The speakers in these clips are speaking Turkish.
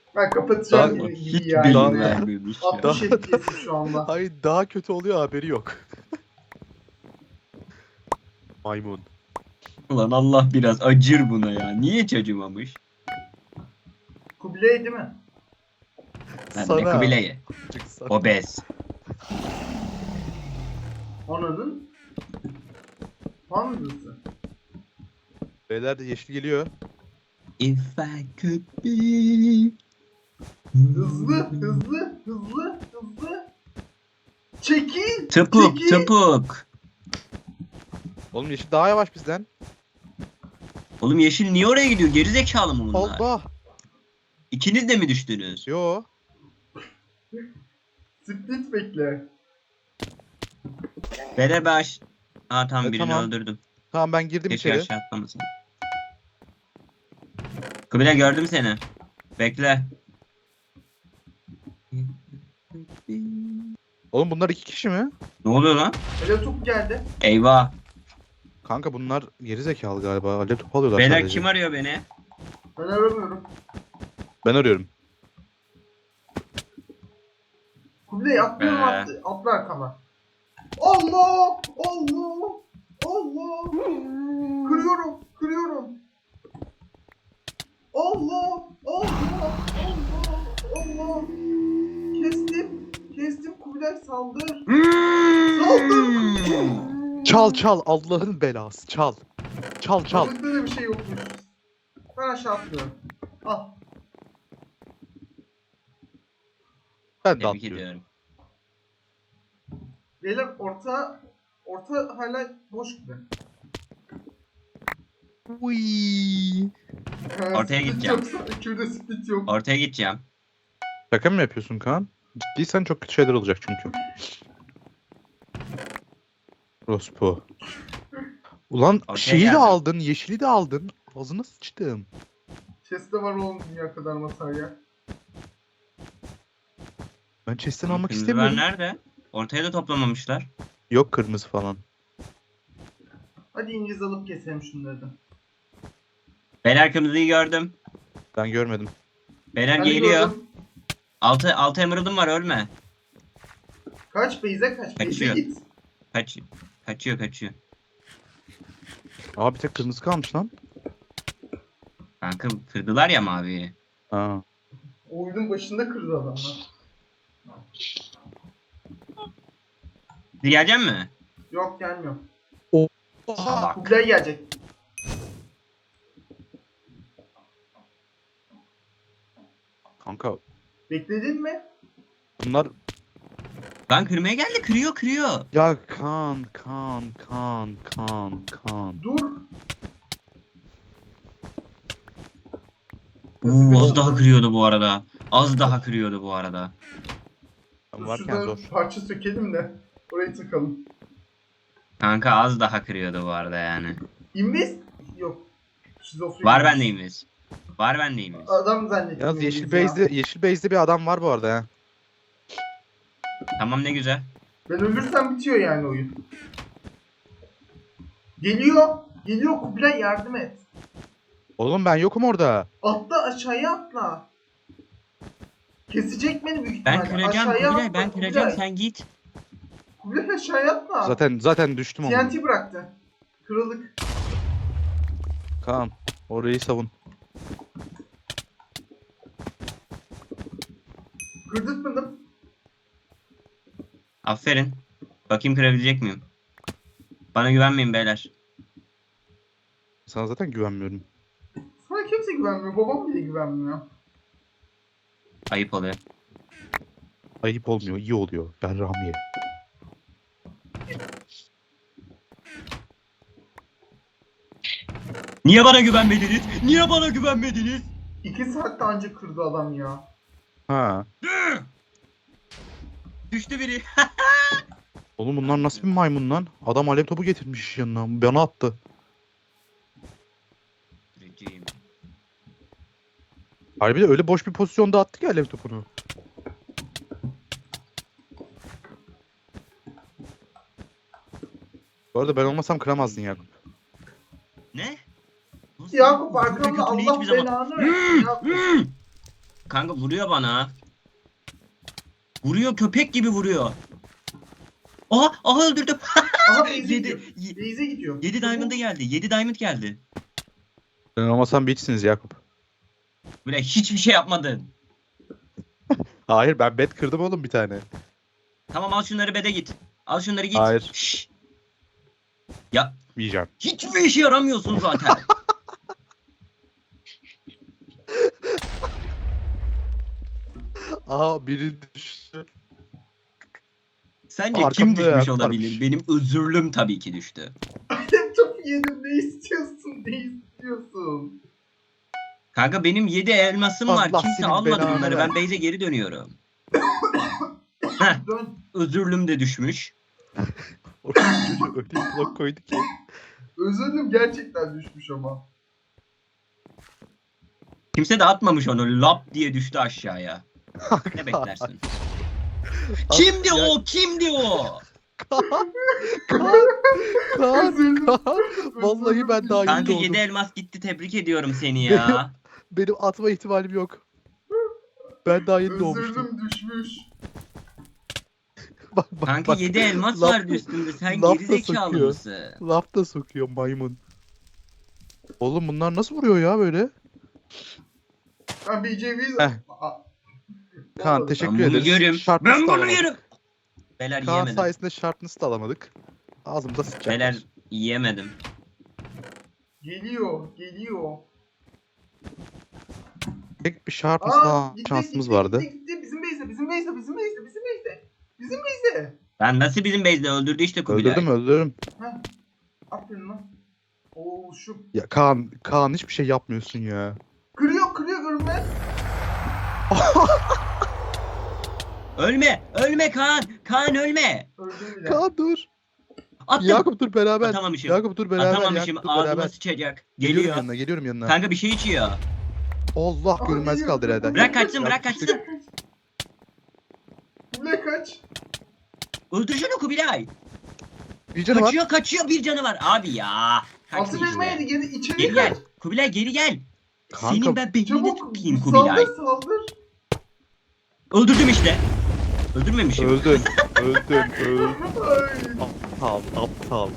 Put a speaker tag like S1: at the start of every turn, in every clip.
S1: Ben kapatacağım
S2: Daha
S1: gibi
S2: hiç
S1: ya.
S2: beyin
S1: yine.
S2: vermiyormuş ya.
S1: 60 FPS şu anda.
S3: Hayır daha kötü oluyor haberi yok. Maymun.
S2: Ulan Allah biraz acır buna ya. Niye hiç acımamış?
S1: Kubilay değil mi?
S2: Lan ne Kubilay'ı?
S3: Çıksana.
S2: Obez.
S1: Anladın? Hamdası.
S3: Beyler de yeşil geliyor.
S2: If I could be...
S1: Hızlı. Çekil.
S2: Tıpuk
S1: çekil.
S2: tıpuk.
S3: Oğlum yeşil daha yavaş bizden.
S2: Oğlum yeşil niye oraya gidiyor? Geri zekalı mı bunlar?
S3: Allah.
S2: İkiniz de mi düştünüz?
S3: Yo.
S1: Split bekle.
S2: Bere baş. Ha tamam
S3: Evet,
S2: birini
S3: tamam.
S2: öldürdüm.
S3: Tamam ben girdim
S2: Keşke
S3: içeri.
S2: aşağı atlamasın. Kubilay gördüm seni. Bekle.
S3: Oğlum bunlar 2 kişi mi?
S2: Ne oluyor lan?
S1: Öyle top geldi.
S2: Eyvah.
S3: Kanka bunlar geri zekalı galiba. Alev topu alıyorlar
S2: Beyler
S3: sadece.
S2: kim arıyor beni?
S1: Ben aramıyorum.
S3: Ben arıyorum.
S1: Kubilay atlıyorum atla arkama. Allah! Kırıyorum. Allah! Kestim Kubilay saldır.
S3: Çal Allah'ın belası çal. Çal.
S1: Balıkta da bir şey yokmuş. Ben aşağı atlıyorum. Al.
S3: Ben de
S2: Tebrik
S3: atlıyorum.
S2: ediyorum.
S1: Beyler orta hala boş gibi.
S3: Uy.
S2: Ortaya
S1: Split
S2: gideceğim.
S1: Yoksa ikide split yok.
S2: Ortaya gideceğim.
S3: Şaka mı yapıyorsun Kaan? Ciddiysen çok kötü şeyler olacak çünkü. Rospo. Ulan
S2: Ortaya
S3: şeyi de
S2: geldim.
S3: aldın, yeşili de aldın. Ağzına sıçtım.
S1: Chest'te var oğlum dünya kadar masaya.
S3: Ben chest'ten almak
S2: Kırmızılar
S3: istemiyorum.
S2: nerede? Ortaya da toplamamışlar.
S3: Yok kırmızı falan.
S1: Hadi İngiliz alıp keselim şunları da.
S2: Beyler kırmızıyı gördüm.
S3: Ben görmedim.
S2: Beyler
S1: Ben de
S2: geliyor.
S1: gördüm.
S2: Altı emerald'ım var ölme.
S1: Kaç Beyze kaç. Beyze
S2: Kaçıyor.
S1: git.
S2: Kaçıyor.
S3: Aa bir tek kırmızı kalmış lan.
S2: Kanka kırdılar ya maviyi.
S3: Aa.
S1: Oyunun başında kırdı adamlar.
S2: Gelecek mi?
S1: Yok gelmiyor.
S2: Salak.
S1: Kubilay gelecek.
S3: Kanka
S1: Bekledin mi?
S3: bunlar...
S2: Lan kırmaya geldi kırıyor.
S3: Ya Kaan.
S1: Dur.
S2: Az daha kırıyordu bu arada.
S3: Ben
S1: Dur
S3: varken
S1: şuradan
S3: zor.
S1: parça sökelim de orayı takalım.
S2: Kanka az daha kırıyordu bu arada yani.
S1: Invest? Yok. Şizofren.
S2: Var bende imiz.
S1: Adam zannettim.
S3: Yalnız yeşil
S1: İngiliz ya.
S3: base'de bir adam var bu arada ya.
S2: Tamam ne güzel.
S1: Ben ölürsem bitiyor yani oyun. Geliyor. Kubilay yardım et.
S3: Oğlum ben yokum orada.
S1: Atla aşağıya atla. Kesecek beni büyük
S2: Ben
S1: ihtimalle.
S2: kıracağım
S1: Aşağıya
S2: Kubilay
S1: atla,
S2: ben kıracağım
S1: Kubilay.
S2: sen git.
S1: Kubilay aşağıya atla.
S3: Zaten düştüm onu.
S1: TNT bıraktı. Kırıldık.
S3: Kaan orayı savun.
S1: Kırdırtmadım.
S2: Aferin. Bakayım kırabilecek miyim? Bana güvenmeyin beyler.
S3: Sana zaten güvenmiyorum.
S1: Sana kimse güvenmiyor. Babam bile güvenmiyor.
S2: Ayıp oluyor.
S3: Ayıp olmuyor, iyi oluyor. Ben Ramiye.
S2: Niye bana güvenmediniz?
S1: 2 saatte anca kırdı adam ya.
S3: Ha.
S2: Düştü biri.
S3: Oğlum bunlar nasıl bir maymun lan? Adam alev topu getirmiş yanına. Bana attı. Harbi de öyle boş bir pozisyonda attı ki alev topunu. Bu arada ben olmasam kıramazdın Yakup.
S2: Ne?
S1: Yakup
S2: Böyle
S1: arkamda
S2: kötülüğü
S1: Allah
S2: hiçbir zaman-
S1: belanı versin Yakup.
S2: Kanka vuruyor bana. Vuruyor, köpek gibi vuruyor. Aha öldürdüm.
S1: Aha base'e gidiyor.
S2: 7
S1: Base'e gidiyor.
S2: 7 diamond'a geldi. 7 diamond geldi.
S3: Sen olmasan biçsiniz Yakup.
S2: Böyle hiçbir şey yapmadın.
S3: Hayır ben bet kırdım oğlum bir tane.
S2: Tamam al şunları bede git. Al şunları git.
S3: Hayır.
S2: Şşş. Ya
S3: Yiyeceğim.
S2: hiçbir işe yaramıyorsun zaten.
S3: Aha biri düştü.
S2: Sence kim
S3: Arkamda ya,
S2: düşmüş olabilir?
S3: varmış.
S2: Benim özürlüm tabii ki düştü.
S1: Çok yedim. Ne istiyorsun? Ne istiyorsun?
S2: Kanka benim 7 elmasım var.
S3: Allah
S2: Kimse
S3: senin
S2: almadı
S3: belanı
S2: bunları. Ben
S3: versin.
S2: base'e geri dönüyorum. Heh,
S1: Dön.
S2: özürlüm de düşmüş.
S3: Çocuğu öyle bir blok koydu ki.
S1: Özürlüm gerçekten düşmüş ama.
S2: Kimse de atmamış onu. Lap diye düştü aşağıya. Ne beklersin? Kimdi
S3: Ya-
S2: o? Kimdi o?
S3: Kaan,
S1: Özürlüm.
S3: Kaan. Vallahi ben daha yeni
S2: Kanka
S3: doğdum.
S2: 7 elmas gitti. Tebrik ediyorum seni ya.
S3: Benim atma ihtimalim yok. Ben daha yeni doğmuştum.
S1: Özürlüm düşmüş.
S3: Bak,
S2: Kanka 7 elmas
S3: laf-
S2: vardı üstünde. Sen
S3: laf da
S2: gerizekalı
S3: sokuyor.
S2: mısın?
S3: Laf da sokuyor maymun. Oğlum bunlar nasıl vuruyor ya böyle?
S1: Ben bir ceviz...
S3: Heh.
S1: Aa,
S3: Kaan
S1: olmadı.
S3: teşekkür
S2: Ben bunu
S3: ederiz.
S2: yerim.
S3: Sharpness
S2: Ben
S3: da
S2: bunu
S3: alamadık.
S2: yerim. Beyler
S3: Kaan
S2: yiyemedim.
S3: sayesinde sharpness da alamadık. Ağzımıza sıçacak.
S2: Beyler yiyemedim.
S1: Geliyor. Geliyor.
S3: Tek bir sharpness
S1: Aa,
S3: daha
S1: gitti,
S3: şansımız
S1: gitti,
S3: vardı.
S1: Gitti. Bizim base'e. Bizim base'e. Bizim base'e. Bizim base'e. Bizim base'e.
S2: Ben nasıl bizim base'de öldürdü işte Kubilay.
S3: Öldürdüm.
S1: Heh. Aferin lan. Oo şu.
S3: Ya Kaan hiçbir şey yapmıyorsun ya.
S1: Kırıyor görünmez.
S2: Ölme Kaan. Kaan ölme.
S1: Öldüm bile.
S3: Kaan dur.
S2: Attım.
S3: Beraber.
S2: Atamamışım.
S3: Yakup dur beraber.
S2: Atamamışım.
S3: Yakup dur
S2: Ağzıma
S3: beraber.
S2: sıçacak.
S3: Geliyorum
S2: Geliyor.
S3: yanına.
S2: Kanka bir şey içiyor.
S3: Allah
S1: Aa,
S3: görünmez
S1: geliyor.
S3: kaldı herhalde.
S2: Bırak kaçsın,
S3: Ya,
S2: bırak kaçsın.
S1: Kule kaç.
S2: Öldür şunu Kubilay.
S3: Bir canı var.
S2: Kaçıyor bir canı var. Abi ya. Kaçtı
S1: Altın elma
S2: işte.
S1: yedi. Geri içeri
S2: Geri
S1: kaç.
S2: gel. Kubilay geri gel.
S3: Kanka,
S2: Senin ben beynini
S1: Çabuk.
S2: tutayım Kubilay.
S1: Saldır.
S2: Öldürdüm işte. Öldürmemişim.
S3: Öldün.
S1: Ay.
S3: Aptal.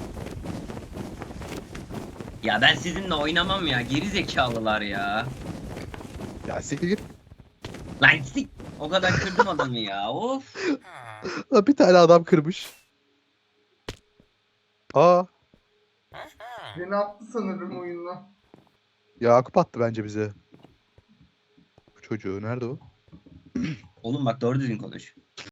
S2: Ya ben sizinle oynamam ya. Geri zekalılar ya.
S3: Ya siktir git.
S2: Lan sik. O kadar kırdım adamı ya. Of.
S3: Lan bir tane adam kırmış. Aa,
S1: Beni attı sanırım oyundan.
S3: Yakup attı bence bize. Bu çocuğu nerede o?
S2: Oğlum bak doğru düzgün konuş.